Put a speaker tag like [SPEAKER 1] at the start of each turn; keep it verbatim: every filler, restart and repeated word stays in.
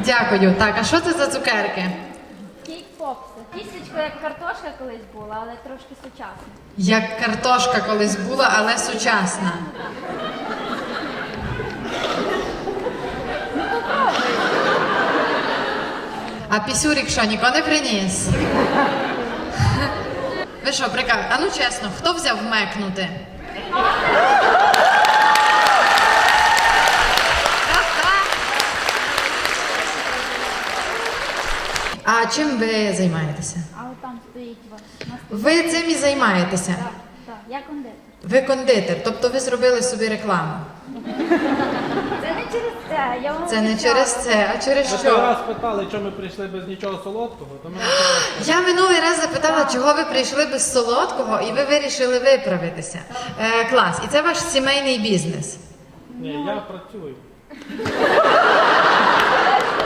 [SPEAKER 1] Дякую. Так, а що це за цукерки?
[SPEAKER 2] Кейк-попси. Тістечко як картошка колись була, але трошки сучасна.
[SPEAKER 1] Як картошка колись була, але сучасна. А пісюрік що, ніко не приніс? Ви що, прикав? А ну чесно, хто взяв вмекнути? А чим ви займаєтеся?
[SPEAKER 2] А от там стоїть вас. На столі.
[SPEAKER 1] Ви цим і займаєтеся?
[SPEAKER 2] Так, так, я кондитер.
[SPEAKER 1] Ви кондитер, тобто ви зробили собі рекламу.
[SPEAKER 2] Це не через це, я вам
[SPEAKER 1] Це не
[SPEAKER 2] обіцяла.
[SPEAKER 1] через це, а через
[SPEAKER 3] Ми той
[SPEAKER 1] що?
[SPEAKER 3] раз питали, чому ми прийшли без нічого солодкого, то ми нічого.
[SPEAKER 1] Я минулий раз запитала, чого ви прийшли без солодкого, і ви вирішили виправитися. Е, клас. І це ваш сімейний бізнес.
[SPEAKER 3] Ні, я працюю.